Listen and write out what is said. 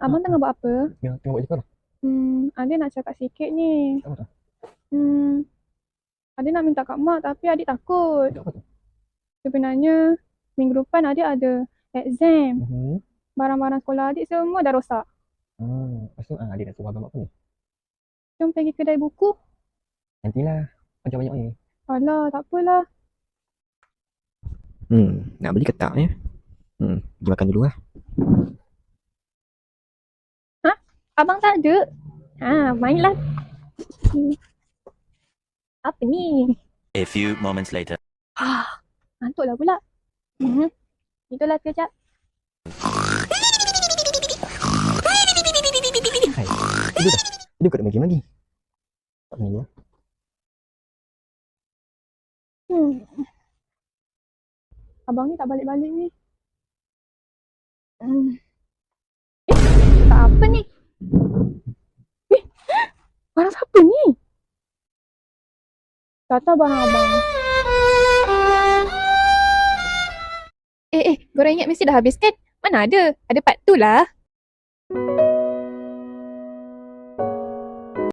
Abang tengah buat apa? Tengok buat cakap lah. Adik nak cakap sikit ni. Cakap apa tu? Hmm, Adik nak minta kat mak tapi adik takut. Cakap apa tu? Sebenarnya minggu depan adik ada exam. Mhm. Barang-barang sekolah adik semua dah rosak. Lepas tu adik nak suruh abang buat apa ni? Jom pergi kedai buku. Nantilah. Banyak-banyak ni. Alah, tak apalah. Nak beli ketak ni. Pergi makan dulu lah. Ha? Abang tak ada? Mainlah. Apa ni? A few moments later. Ngantuklah pula. Itulah sekejap. Hai. Tidur dah. Tidur kat game lagi. Tak main dulu lah. Abang ni tak balik-balik ni. Tak apa ni? Barang siapa ni? Tak tahu barang abang. Goreng ingat mesti dah habis kan? Mana ada? Ada part 2 lah.